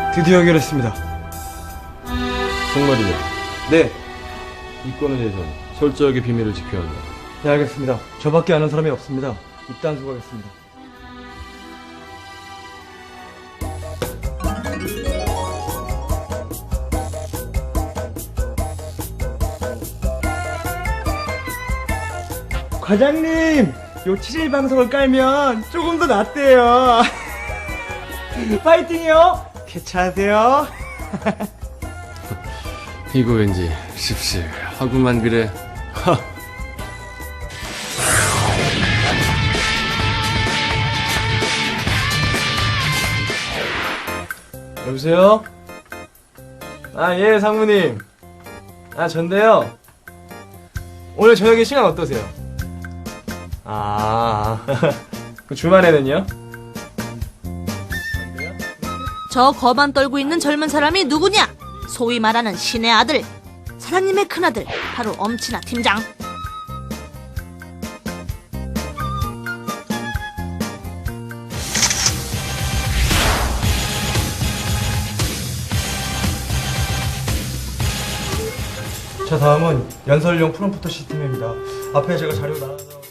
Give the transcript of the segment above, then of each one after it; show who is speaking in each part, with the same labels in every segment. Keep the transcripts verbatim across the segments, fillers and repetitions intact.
Speaker 1: 드디어 해결했습니다.
Speaker 2: 정말이냐?
Speaker 1: 네.
Speaker 2: 이 건에 대해서는 철저하게 비밀을 지켜야 한다.
Speaker 1: 네, 알겠습니다. 저밖에 아는 사람이 없습니다. 입단 수고하겠습니다. 과장님! 요 칠일 방송을 깔면 조금 더 낫대요. 파이팅이요! 개차하세요.
Speaker 2: 이거 왠지 씁쓸하구만 그래.
Speaker 1: 여보세요? 아, 예, 상무님. 아, 전데요. 오늘 저녁에 시간 어떠세요? 아, 그 주말에는요?
Speaker 3: 저 거만 떨고 있는 젊은 사람이 누구냐? 소위 말하는 신의 아들, 사장님의 큰아들, 바로 엄친아 팀장.
Speaker 1: 자, 다음은 연설용 프롬프터 시스템입니다. 앞에 제가 자료 나눠서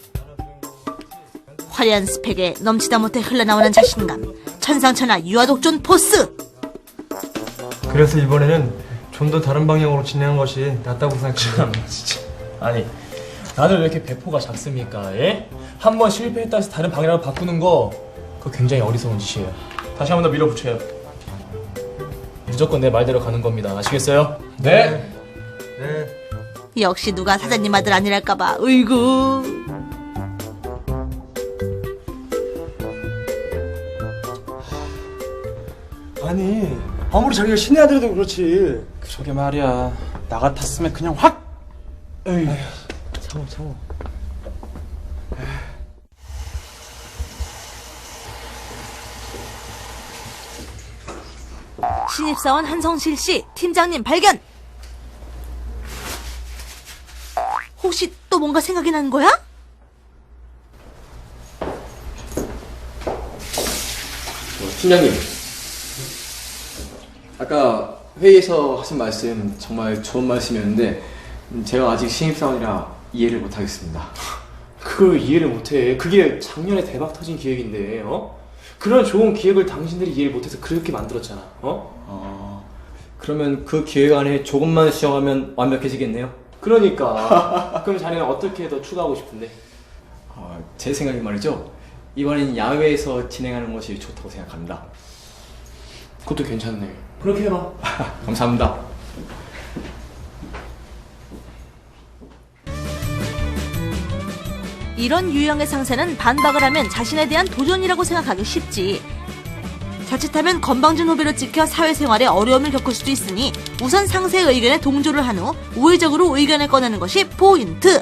Speaker 3: 화려한 스펙에 넘치다 못해 흘러나오는 자신감, 천상천하 유아독존 포스.
Speaker 1: 그래서 이번에는 좀 더 다른 방향으로 진행한 것이 낫다고 생각합니다.
Speaker 4: 진짜. 아니, 다들 왜 이렇게 배포가 작습니까? 예? 한 번 실패했다 해서 다른 방향으로 바꾸는 거, 그거 굉장히 어리석은 짓이에요. 다시 한 번 더 밀어붙여요. 무조건 내 말대로 가는 겁니다. 아시겠어요? 네.
Speaker 1: 네.
Speaker 3: 역시 누가 사장님 아들 아니랄까봐. 으이구.
Speaker 1: 아니, 아무리 자기가 신의 아들이도 그렇지.
Speaker 5: 그러게 말이야. 나 같았으면 그냥 확!
Speaker 1: 에이, 참어, 참어.
Speaker 3: 신입사원 한성실 씨, 팀장님 발견! 혹시 또 뭔가 생각이 나는 거야?
Speaker 6: 어, 팀장님, 아까 회의에서 하신 말씀 정말 좋은 말씀이었는데 음, 제가 아직 신입사원이라 이해를 못하겠습니다.
Speaker 4: 그걸 이해를 못해. 그게 작년에 대박 터진 기획인데, 어? 그런 좋은 기획을 당신들이 이해를 못해서 그렇게 만들었잖아, 어?
Speaker 6: 어, 그러면 그 기획 안에 조금만 수정하면 완벽해지겠네요?
Speaker 4: 그러니까. 그럼 자네는 어떻게 더 추가하고 싶은데?
Speaker 6: 어, 제 생각에 말이죠, 이번엔 야외에서 진행하는 것이 좋다고 생각합니다.
Speaker 4: 그것도 괜찮네. 그렇게 해봐.
Speaker 6: 감사합니다.
Speaker 3: 이런 유형의 상사는 반박을 하면 자신에 대한 도전이라고 생각하기 쉽지. 자칫하면 건방진 후배로 찍혀 사회생활에 어려움을 겪을 수도 있으니 우선 상사의 의견에 동조를 한 후 우회적으로 의견을 꺼내는 것이 포인트.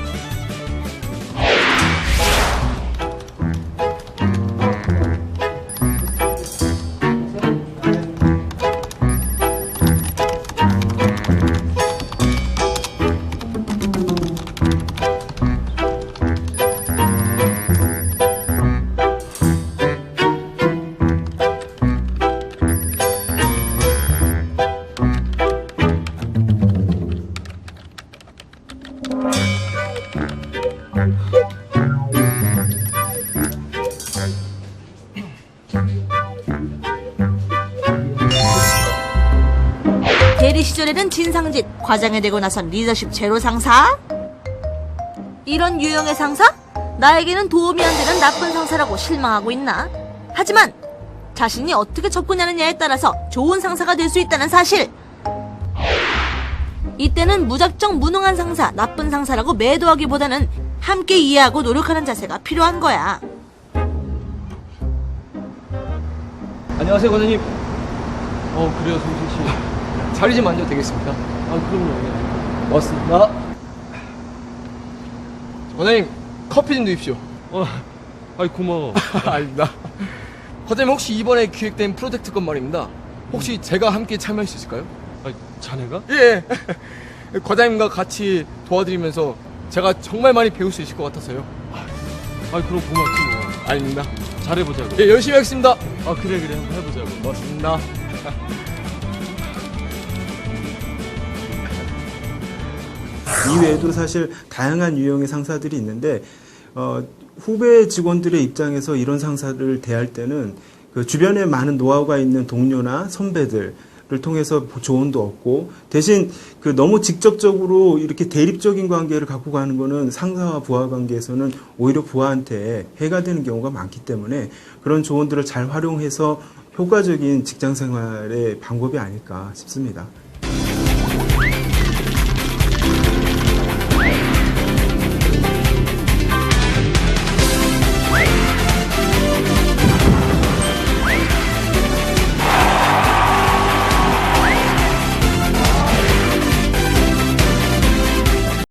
Speaker 3: 대리 시절에는 진상짓, 과장이 되고 나선 리더십 제로 상사? 이런 유형의 상사? 나에게는 도움이 안 되는 나쁜 상사라고 실망하고 있나? 하지만 자신이 어떻게 접근하느냐에 따라서 좋은 상사가 될 수 있다는 사실. 이때는 무작정 무능한 상사, 나쁜 상사라고 매도하기보다는 함께 이해하고 노력하는 자세가 필요한 거야.
Speaker 1: 안녕하세요, 과장님.
Speaker 2: 어 그래요 성실씨. 자리 좀 앉아도 되겠습니까? 아 그럼요.
Speaker 1: 맞습니다.
Speaker 2: 과장님 커피 좀 드십시오.
Speaker 1: 어, 아이, 고마워.
Speaker 2: 아닙니다. 과장님 혹시 이번에 기획된 프로젝트 건 말입니다. 혹시 제가 함께 참여할 수 있을까요?
Speaker 1: 아, 자네가?
Speaker 2: 예. 과장님과 같이 도와드리면서 제가 정말 많이 배울 수 있을 것 같아서요.
Speaker 1: 아이, 그럼 고맙지 뭐.
Speaker 2: 아닙니다.
Speaker 1: 잘해보자고.
Speaker 2: 예, 열심히 하겠습니다.
Speaker 1: 아, 그래, 그래. 한번 해보자고.
Speaker 2: 고맙습니다.
Speaker 7: 이외에도 사실 다양한 유형의 상사들이 있는데 어, 후배 직원들의 입장에서 이런 상사를 대할 때는 그 주변에 많은 노하우가 있는 동료나 선배들을 통해서 조언도 얻고 대신 그 너무 직접적으로 이렇게 대립적인 관계를 갖고 가는 거는 상사와 부하 관계에서는 오히려 부하한테 해가 되는 경우가 많기 때문에 그런 조언들을 잘 활용해서 효과적인 직장 생활의 방법이 아닐까 싶습니다.